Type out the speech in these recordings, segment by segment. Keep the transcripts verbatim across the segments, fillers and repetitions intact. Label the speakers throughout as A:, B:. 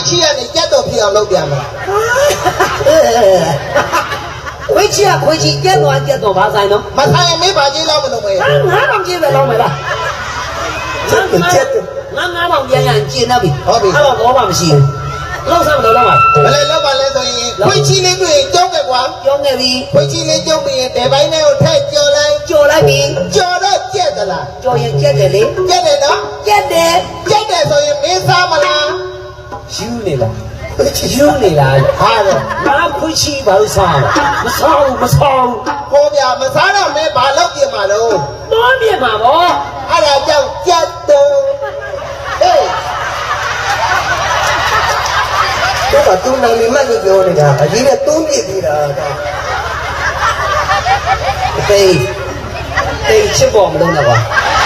A: ချီကနေကြက်တော်ဖြစ်အောင်လုပ်ပြန်မှာ
B: ခွေးချီကခွေးချီကြက်တော်ကြက်တော်ဘာဆိုင်တော့
A: မဆိုင်ရင်မေးပါကြီးလောက်မလုပ်မယ်
B: ငါးထောင်ကျင်းပဲလောက်မယ်လားကျက်ကျက်ငါငါးထောင်ပြန်ရရင်ကျင်းတော့ပြီ
A: ဟုတ်ပြီ
B: အဲ့တော့ဘောမှမရှိဘူးလောက်စားမလို့လောက်ပါ
A: ဘယ်လဲလောက်ပါလဲဆိုရင်ခွေးချီလေးတွေ့ကျုံးခဲ့ကွာ
B: ကျုံးခဲ့ပြီ
A: ခွေးချီလေးကျုံးပြီးရင်တဲပိုင်းနဲ့ကိုထည့်ကြော်လိုက်
B: ကြော်လိုက်ပြီ
A: ကြော်တော့ကြက်သလား
B: ကြော်ရင်ကြက်တယ်လေ
A: ကြက်တယ်နော်
B: ကြက်တယ်
A: ကြက်တယ်ဆိုရင်မင်းစားမလား
B: ယူနေလားယူနေလား
A: ဟာတော့
B: ငါခွေးချီဘာလို့စားမစားဘူးမစားဘူး
A: ဟောဗျာမစားတော့မဲဘာလုပ်ပြင်မှာလို့
B: တွန်းပြင်မှာဗော
A: အဲ့ဒါကြောင့်ကြက်တော်ဟေးတော့တူနိုင်နေမှလို့ပြောနေတာအကြီးနဲ့သုံးပြစ်သေးတာ
B: တေးတေးချစ်ပေါ်မလို့တော့ကွာ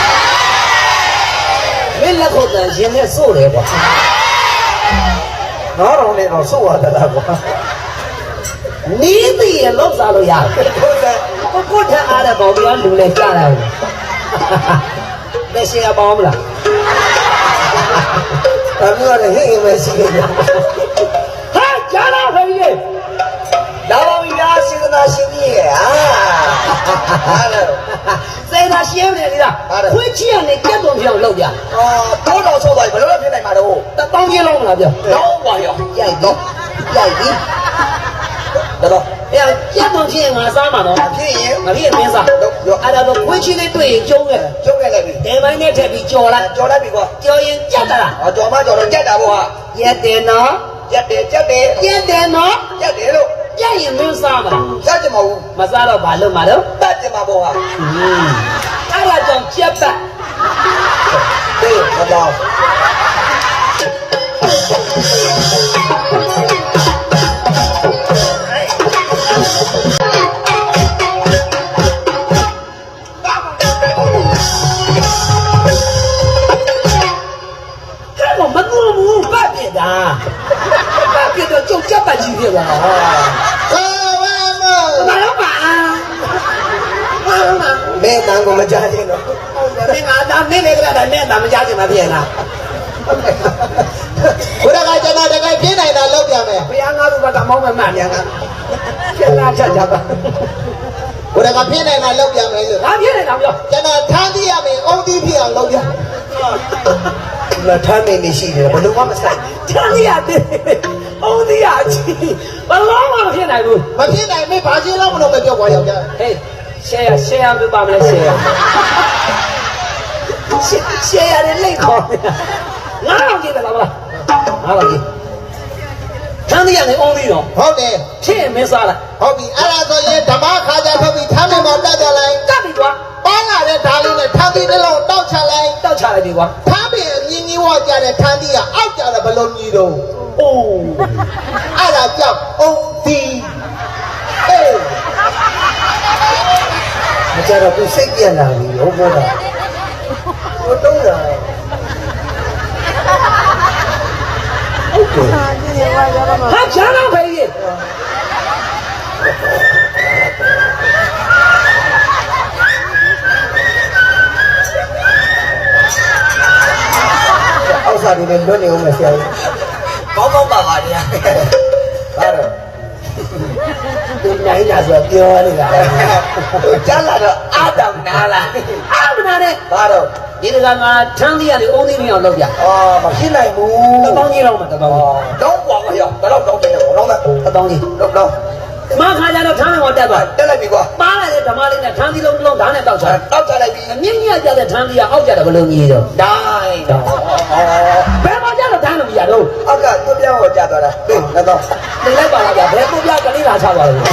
B: မင်းလက်ခုပ်တန်ရှင်နဲ့စိုးတယ်ကွာ
A: ငါတော့လည်းတော့စိုးရတာကွာ
B: နီးပြီးရလောက်စားလို့ရတယ်
A: ဟုတ်တယ်
B: ကိုကိုထအားတဲ့ဘောင်ပြောလူလဲကြားတယ်လက်ရှိကပေါင်းမလား
A: ဒါမျိုးလည်းဟင်းမရှိဘူး
B: ဟာကြားလာဖေးကြီး
A: လာပါပြီလားစေတနာရှင်ကြီးရဲ့ဟာဟာလို့
B: စေတနာရှင်နေလားခွေးချီကနေကြက်တော်ပြောင်းလောက်ပြ
A: အော်တော့တော့ဆိုတော့ဘယ်လိုလုပ်ဖြစ်နိုင်မှာတော့
B: တပေါင်းကြီးလုံးမလားပြော
A: တော့ပါရော
B: ရိုက်တော့ရိုက်ပြီတော့အဲ့ကြက်တော်ဖြစ်ငါစားမှာတော့
A: ဖြစ်ရင်
B: ငါပြည့်မင်းစားအဲ့ဒါတော့ခွေးချီလေးတွေ့ရင်ကျုံးခဲ့
A: ကျုံးခဲ့လိုက်ပြီ
B: တဲပိုင်းနဲ့ထည့်ပြီးကြော်လိုက်
A: ကြော်လိုက်ပြီကွာ
B: ကြော်ရင်ကြက်တာလား
A: အော်ကြော်မကြော်တော့ကြက်တာပေါ့ဟာ
B: ရက်တယ်နော်
A: ကြက်တယ်ကြက်တယ်
B: ကြက်တယ်နော်
A: ကြက်တယ်လို့
B: ကြက်ရင်မင်းစားမှာ
A: စားကြမဟုတ်
B: မစားတော့ဘာလို့မလို့
A: တတ်ကြမှာပေါ့ဟာ
B: အဲ့ဒါကြောင့်ကြက်ပတ်
A: တေးမတော်
B: 爸，别的就这半斤的了啊！
A: 好玩嘛！
B: 哪有吧？
A: 没当过我们家庭了。
B: 没俺咱没那个的，没咱们家庭那边呢。
A: 我那个在那这个偏来那老表妹，
B: 不要俺都把咱毛们慢点啊，偏来这家吧。
A: 我那个偏来那老表妹了，
B: 俺偏来哪表？
A: 在那汤底下面，欧弟偏老表。那汤面的细的，我都忘了晒。
B: 汤底下的，欧弟下去，我老往偏来不？
A: 我偏来没把钱老不能没叫我要的。
B: 嘿，谁呀？谁呀？没把我来谁呀？谁谁呀？你累口的，哪老几个老了？哪老几？汤底下的欧弟哟，
A: 好的，
B: 钱没啥了。
A: 好比阿拉说也他妈卡在后面，他们毛带下来，
B: 咋的多？
A: 把那的打里的汤底的老倒下来，
B: 倒下来的多。
A: 他们你你我家的汤底啊，俺家的不容易的。
B: 哦，
A: 阿拉叫欧弟，哎，我家的不随便啦，你有不的？我懂了。
B: 他全能可以。
A: အောက်စားတွေလည်းလွတ်နေဦးမယ်ဆရာကြီးကောင်းကောင်းပါပါဗျာဟာတော့ဒီနိုင်လာဆိုပြောနေတာကြားလာတော့အာတောင်နာလာ
B: အာမနာနဲ့
A: ဟာတော့
B: ဒီကကငါထမ်းသေးရတယ်အုံးသေးမအောင်လုပ်ပြ
A: အော်မဖြစ်နိုင်ဘူး
B: တပေါင်းကြီးလောက်မှာတပေါင်း
A: တော့ပွားမရောတော့တော့တယ်တော့တော့
B: တပေါင်းကြီး
A: တော့တော့
B: မခါကြတော့ထမ်းတော်တက်သွား
A: တက်လိုက်ပြီကွာ
B: ပါလာတဲ့ဓမ္မလေးနဲ့ထမ်းသီးလုံးလုံးဓာတ်နဲ့တောက်ချ
A: တောက်ချလိုက်ပြီ
B: အမြင့်ကြီးကြတဲ့ထမ်းသီးကအောက်ကြတယ်ဘယ်လိုကြီးတော့
A: ဒိုင်းတော့
B: ဘယ်မှာကြတော့ဓာတ်လို့မရတော့
A: အောက်ကသူ့ပြောင်းကိုကြာသွားတာဟေးတော့
B: နေလိုက်ပါလားဗျာဘယ်ကိုပြကလေးလာချသွားလို့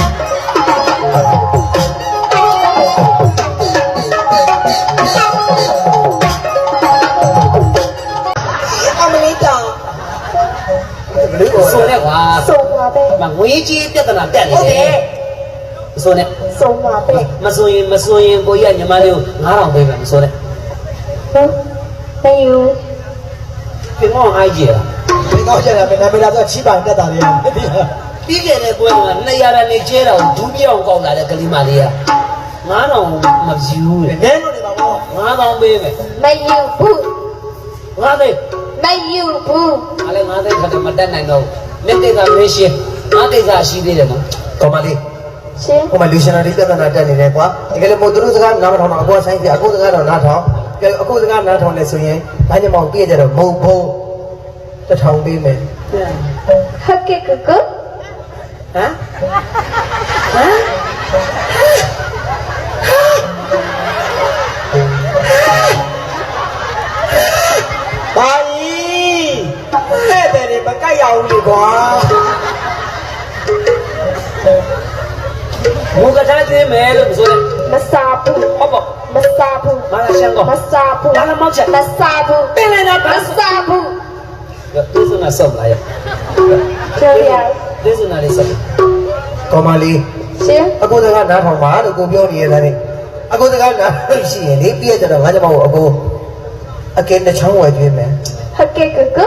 A: အမလေးတောင်
B: ဆိုနဲ့ကွာ
C: 送我呗，
B: မငွေကြီးပြဿနာတက်နေတယ်ဆိုနဲ့
C: 送我呗，
B: မဆိုရင်မဆိုရင်ကိုကြီးကညီမလေးကိုငါးထောင်ပေးမယ်မဆိုနဲ့
C: 嗯，没有，
B: ပြင်မောင်းအိုက်ကြီးလား
A: ဒီတော့ကျတယ်မင်းနာမည်လာဆိုချီးပန်တက်တာလေ
B: ပြီးခဲ့တဲ့ပွဲကနှစ်ရာနဲ့ကျဲတော့ဒူးပြောင်းကောက်လာတဲ့ကလေးမလေးကငါးထောင်မပြူးလေ
A: နည်းလို့နေပါဘော
B: ငါးထောင်ပေးမယ်
C: 没有不，
B: ငါးသိ
C: 没有不，
B: အားလည်းငါးသိန်းခါတော့မတက်နိုင်တော့မြက်ကိစ္စမင်းရှင်းငါကိစ္စရှိသေးတယ်နော်
A: ကောမလေး
C: 行
A: ဟိုမှာလူရှင်တော်ဒီပြဿနာတက်နေတယ်ကွာဒီကလေးမို့သူတို့စကားနားမထောင်တော့အကူဆိုင်ပြအခုစကားတော့နားထောင်ကဲအခုစကားနားထောင်လဲဆိုရင်ဒါညမောင်ပြည့်ကြတော့မဟုတ်ဘူးတထောင်ပေးမယ်
C: 好给哥哥，
B: ဟမ်ဟမ်
A: ဘာကြီးတဲ့တဲ့တွေမကြိုက်ရအောင်လေကွာ
B: မူကထားသေးမယ်လို့မဆိုနဲ့
C: 没啥不，
B: ဟုတ်ပေါ့
C: 没啥不，
B: ငါလည်းရှင်းကော
C: 没啥不，
B: ဒါလည်းမောက်ချက်
C: 没啥不，
B: ပင်လည်းတော့
C: 没啥不，
B: ဒီစနာဆော့လာရ
C: 这样
B: ဒီစနာလေးဆော့
A: ကောမလေး
C: 行，
A: အခုစကားနားထောင်ပါလို့ကိုပြောနေရတယ်လေအခုစကားနားလို့ရှိရင်လေပြည့်ကြတော့ငါကြောင့်အခုအကဲတစ်ချောင်းဝယ်ကျွေးမယ်
C: 好给哥哥，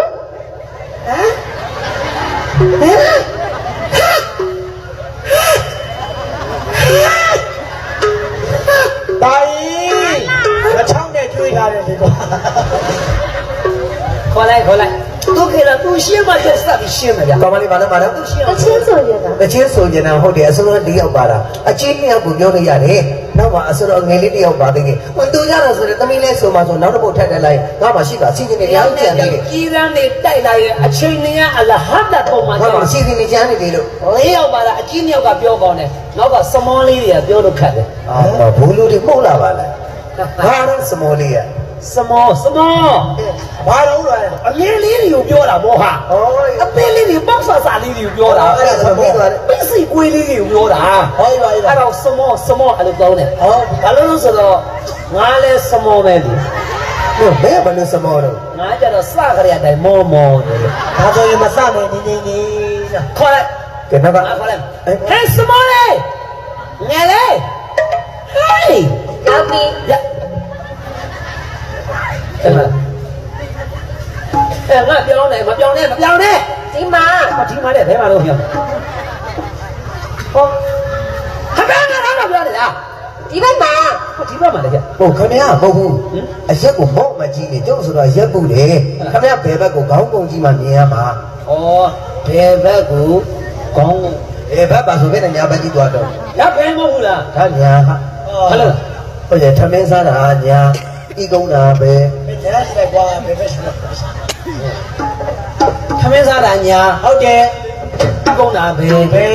A: ဘာကြီးတစ်ချောင်းနဲ့ကျွေးထားတယ်ဒီကွာ
B: ခေါ်လိုက်ခေါ်လိုက်သူခေလာသူရှင်းမှတက်စပ်ရှင်းမယ်ဗျာ
A: ကောမလေးပါလားပါလား
B: သူရှင်း
C: 我亲手接的，
A: တချင်းဆိုကြတာဟုတ်တယ်အစိုးရတယောက်ပါတာအချင်းတယောက်ကိုပြောလို့ရတယ်နောက်မှအစိုးရငယ်လေးတယောက်ပါသေးတယ်ဟိုသူရတော့ဆိုတော့သမီးလေးဆိုမှဆိုနောက်တစ်ပုတ်ထက်တက်လိုက်ငါမှရှိတာစီစဉ်နေရအောင်ကြံနေတယ်
B: ကြီးစမ်းနေတိုက်လာရဲ့အချိန်နေရအလဟတ်တာပုံမှန်
A: ငါ
B: တော့
A: မှစီစဉ်နေကြနေတယ်လို့
B: လေးယောက်ပါလားအကြီးမြောက်ကပြောကောင်းတယ်နောက်ကစမောလေးတွေကပြောလို့ခက်တယ်
A: အာဘူးလူတွေမှုတ်လာပါလားဘာလို့စမောလေးရ
B: စမောစမော
A: ဘာလို့လဲ
B: အမြင်လေးတွေကိုပြောတာမောဟာ
A: ဟော
B: အပင်းလေးတွေပေါက်ဆာဆာလေးတွေကိုပြောတာ
A: အဲ့ဒါဆိုပြီးသွားတယ်
B: ပစ္စည်းကွေးလေးတွေကိုပြောတာ
A: ဟောပါပါ
B: အဲ့တော့စမောစမောအဲ့လိုကောင်းတယ်
A: ဟော
B: ဘာလို့လဲဆိုတော့ငါလဲစမောပဲလေ
A: ဘယ်ဘယ်လို့စမောတော့
B: ငါကြတော့စကြရတဲ့အတိုင်းမောမောတယ်လေ
A: ဒါဆိုရင်မစမယ်နေနေနေနော်
B: ခေါ်လိုက်
A: ကဲနောက်က
B: ငါခေါ်လိုက်ဟဲ့စမောလေးငယ်လေးဟေး
C: 老弟，
B: ရအဲ့မှာအဲ့ငါပြောင်းနေမပြောင်းနဲ့မပြောင်းနဲ့
C: 金妈，
B: မထီမားတဲ့ဘဲမှာတော့ပြောင်းဟောဟာဘယ်ကတော့ပြောနေလား
C: 你们妈，
B: ဟောဒီဘက်မှာလည်းကြ
A: ဟုတ်ခင်ဗျာမဟုတ်ဘူးအရက်ကိုမော့မကြီးနေကျုပ်ဆိုတော့ရက်ပုတယ်ခင်ဗျာဘယ်ဘက်ကိုခေါင်းပုံကြီးမှမြင်ရမှာ
B: ဩဘယ်ဘက်ကိုကောင်း
A: ဘယ်ဘက်ပါဆိုပဲညာဘက်ကြီးသွားတော့
B: ရဘယ်မဟုတ်ဘူးလား
A: ဒါညာဟာ
B: ဟယ်လို
A: ဟုတ်ရဲ့ထမင်းစားတာညာဤကုန်းတာပဲ
B: ခမင်းစားတာညာ
A: ဟုတ်တယ်
B: ဒီကုန်းတာပဲ
A: ဘယ်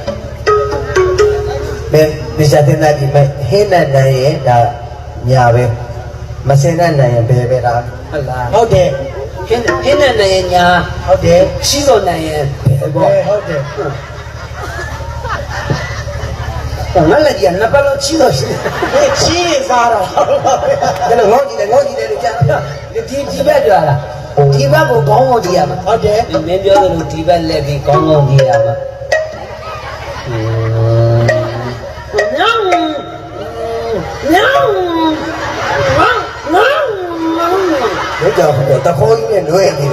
A: ဘယ်ဒီစားတင်တာဒီမဲ့ဟင်းနဲ့နိုင်ရဲ့ဒါညာပဲမစင်နဲ့နိုင်ရင်ဘယ်ပဲလား
B: ဟုတ်လား
A: ဟုတ်တယ်
B: ဟင်းဟင်းနဲ့နိုင်ညာ
A: ဟုတ်တယ်
B: ရှိစောနိုင်ရင်ဘယ်ပေါ့
A: ဟုတ်တယ်
B: ငါလည်းကြနှစ်ပတ်လုံးချီးတော့ရှိတယ်
A: ဘယ်ချီးစားတာဒါလည်းငေါ့ကြည့်တယ်ငေါ့ကြည့်တယ်လို့ကြား
B: ဒီဒီဘက်ကြွားလားဒီဘက်ကိုကောင်းကောင်းကြည့်ရမှာ
A: ဟုတ်တယ်
B: မင်းပြောသလိုဒီဘက်လက်ပြီးကောင်းကောင်းကြည့်ရမှာညောင်းညောင်းငေါငေါငေါ
A: ဘယ်ကြောင့်တခေါ်ကြီးနဲ့လွဲနေ